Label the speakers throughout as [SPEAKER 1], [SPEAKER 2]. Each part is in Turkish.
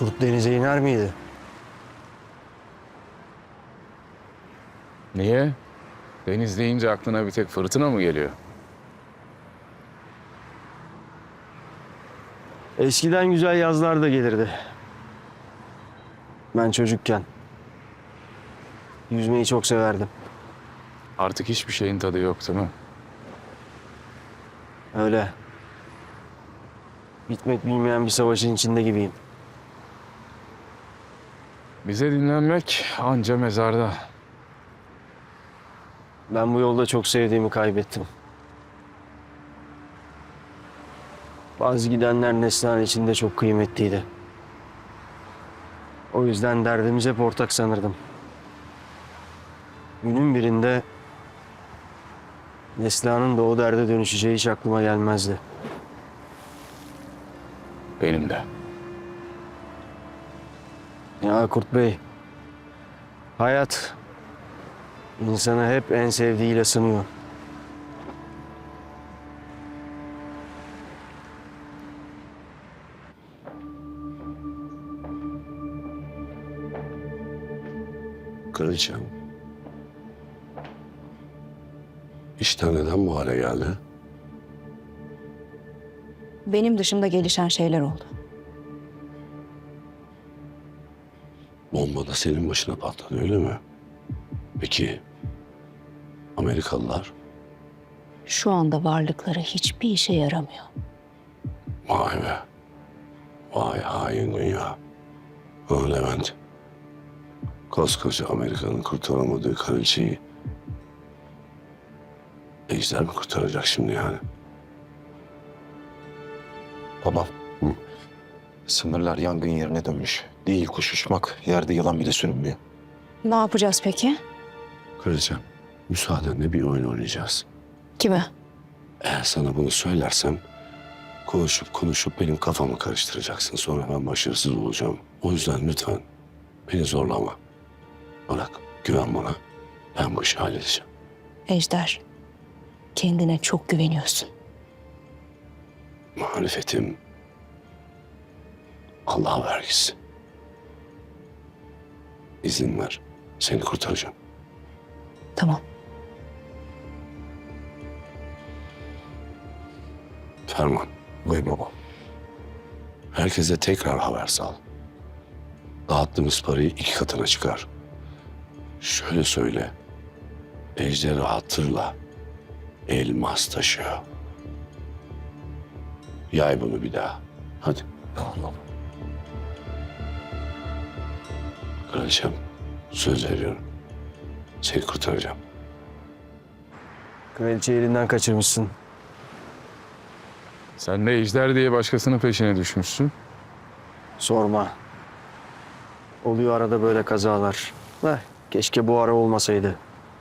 [SPEAKER 1] Kurt denize iner miydi?
[SPEAKER 2] Niye? Deniz deyince aklına bir tek fırtına mı geliyor?
[SPEAKER 1] Eskiden güzel yazlar da gelirdi. Ben çocukken. Yüzmeyi çok severdim.
[SPEAKER 2] Artık hiçbir şeyin tadı yok değil mi?
[SPEAKER 1] Öyle. Bitmek bilmeyen bir savaşın içinde gibiyim.
[SPEAKER 2] Bize dinlenmek anca mezarda.
[SPEAKER 1] Ben bu yolda çok sevdiğimi kaybettim. Bazı gidenler Neslihan içinde çok kıymetliydi. O yüzden derdimiz hep ortak sanırdım. Günün birinde Neslihan'ın da o derde dönüşeceği hiç aklıma gelmezdi.
[SPEAKER 2] Benim de.
[SPEAKER 1] Ya Kurt Bey, hayat insanı hep en sevdiğiyle sınıyor.
[SPEAKER 3] Kraliçem. İşler neden bu hale geldi?
[SPEAKER 4] Benim dışımda gelişen şeyler oldu.
[SPEAKER 3] Bomba da senin başına patladı öyle mi? Peki Amerikalılar?
[SPEAKER 4] Şu anda varlıkları hiçbir işe yaramıyor.
[SPEAKER 3] Vay be. Vay hain dünya. Ha Levent. Koskoca Amerika'nın kurtaramadığı kraliçeyi Ejder mi kurtaracak şimdi yani?
[SPEAKER 5] Babam. Sınırlar yangın yerine dönmüş. Değil kuş uçmak, yerde yılan bile sürünmüyor.
[SPEAKER 4] Ne yapacağız peki?
[SPEAKER 3] Kraliçem, müsaadenle bir oyun oynayacağız.
[SPEAKER 4] Kime?
[SPEAKER 3] Eğer sana bunu söylersem konuşup benim kafamı karıştıracaksın. Sonra ben başarısız olacağım. O yüzden lütfen beni zorlama. Bırak, güven bana. Ben bu işi halledeceğim.
[SPEAKER 4] Ejder, kendine çok güveniyorsun.
[SPEAKER 3] Marifetim Allah'a vergisi. İzin ver, seni kurtaracağım.
[SPEAKER 4] Tamam.
[SPEAKER 3] Ferman.
[SPEAKER 5] Buyur baba.
[SPEAKER 3] Herkese tekrar haber sal. Dağıttığımız parayı 2 katına çıkar. Şöyle söyle. Ejder'i hatırla. Elmas taşıyor. Yay bunu bir daha. Hadi.
[SPEAKER 5] Tamam baba.
[SPEAKER 3] Kraliçem, söz veriyorum. Seni kurtaracağım.
[SPEAKER 1] Kraliçeyi elinden kaçırmışsın.
[SPEAKER 2] Sen de Ejder diye başkasının peşine düşmüşsün.
[SPEAKER 1] Sorma. Oluyor arada böyle kazalar. Keşke bu ara olmasaydı.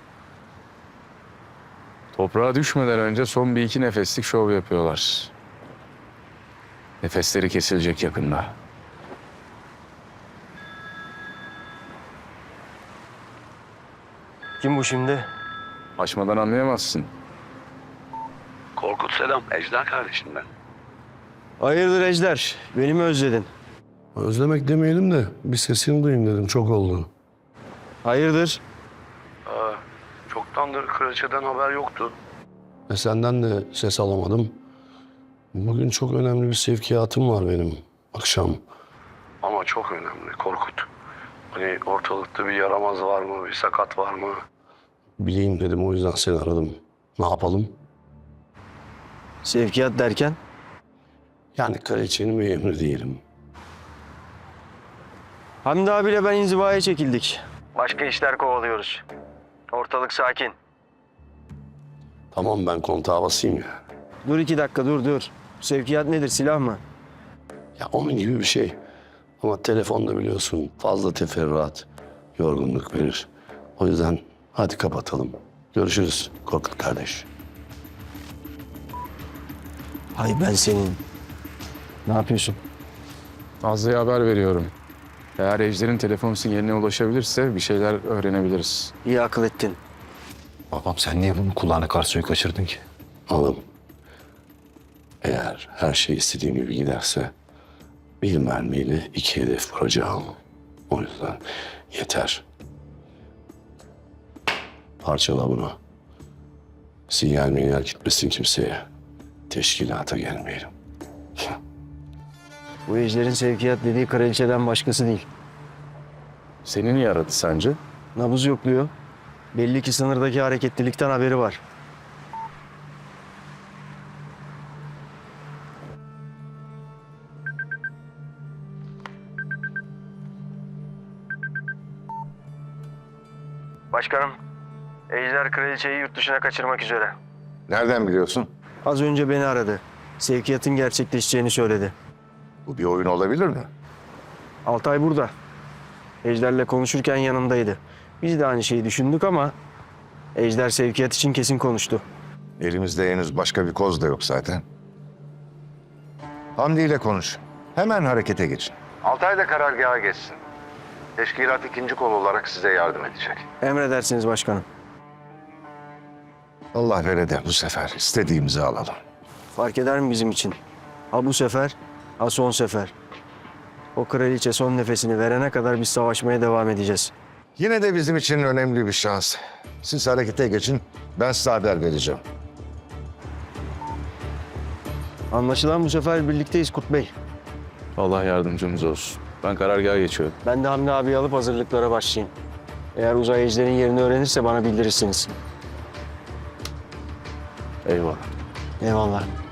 [SPEAKER 2] Toprağa düşmeden önce son bir iki nefeslik şov yapıyorlar. Nefesleri kesilecek yakında.
[SPEAKER 1] Kim bu şimdi?
[SPEAKER 2] Açmadan anlayamazsın.
[SPEAKER 3] Korkut selam. Ejder kardeşim ben.
[SPEAKER 1] Hayırdır Ejder? Beni mi özledin?
[SPEAKER 3] Özlemek demeyelim de bir sesini duyayım dedim. Çok oldu.
[SPEAKER 1] Hayırdır?
[SPEAKER 3] Çoktandır kraliçeden haber yoktu. Senden de ses alamadım. Bugün çok önemli bir sevkiyatım var benim akşam. Ama çok önemli Korkut. Hani ortalıkta bir yaramaz var mı, bir sakat var mı? Bileyim dedim o yüzden seni aradım. Ne yapalım?
[SPEAKER 1] Sevkiyat derken?
[SPEAKER 3] Yani kraliçenin bir emri diyelim.
[SPEAKER 1] Hamdi abiyle ben inzivaya çekildik. Başka işler kovalıyoruz. Ortalık sakin.
[SPEAKER 3] Tamam ben kontağa basayım ya.
[SPEAKER 1] Dur 2 dakika dur. Sevkiyat nedir, silah mı?
[SPEAKER 3] Ya onun gibi bir şey. Ama telefonda biliyorsun fazla teferruat, yorgunluk verir. O yüzden hadi kapatalım. Görüşürüz Korkut kardeş.
[SPEAKER 1] Hay ben senin. Ne yapıyorsun?
[SPEAKER 2] Nazlı'ya haber veriyorum. Eğer Ejder'in telefon sinyaline ulaşabilirse bir şeyler öğrenebiliriz.
[SPEAKER 1] İyi akıl ettin.
[SPEAKER 5] Babam sen niye bunun kulağına karşıya kaçırdın ki?
[SPEAKER 3] Oğlum, eğer her şey istediğim gibi giderse Bir mermiyle 2 hedef vuracağım. O yüzden yeter. Parçala bunu. Sinyal gitmesin kimseye. Teşkilata gelmeyelim.
[SPEAKER 1] Bu ejderin sevkiyat dediği kraliçeden başkası değil.
[SPEAKER 2] Seni niye aradı sence?
[SPEAKER 1] Nabız yokluyor. Belli ki sınırdaki hareketlilikten haberi var. Başkanım, Ejder kraliçeyi yurt dışına kaçırmak üzere.
[SPEAKER 5] Nereden biliyorsun?
[SPEAKER 1] Az önce beni aradı. Sevkiyatın gerçekleşeceğini söyledi.
[SPEAKER 5] Bu bir oyun olabilir mi?
[SPEAKER 1] Altay burada. Ejder'le konuşurken yanımdaydı. Biz de aynı şeyi düşündük ama Ejder sevkiyat için kesin konuştu.
[SPEAKER 5] Elimizde henüz başka bir koz da yok zaten. Hamdi ile konuş. Hemen harekete geçin. Altay da karargaha geçsin. Teşkilat ikinci kol olarak size yardım edecek.
[SPEAKER 1] Emredersiniz başkanım.
[SPEAKER 5] Allah vere de bu sefer istediğimizi alalım.
[SPEAKER 1] Fark eder mi bizim için? Ha bu sefer, ha son sefer. O kraliçe son nefesini verene kadar biz savaşmaya devam edeceğiz.
[SPEAKER 5] Yine de bizim için önemli bir şans. Siz harekete geçin, ben size haber vereceğim.
[SPEAKER 1] Anlaşılan bu sefer birlikteyiz Kurt Bey.
[SPEAKER 2] Allah yardımcımız olsun. Ben karargaha geçiyorum.
[SPEAKER 1] Ben de Hamdi abi alıp hazırlıklara başlayayım. Eğer uzay ejderin yerini öğrenirse bana bildirirsiniz.
[SPEAKER 2] Eyvallah.
[SPEAKER 1] Eyvallah.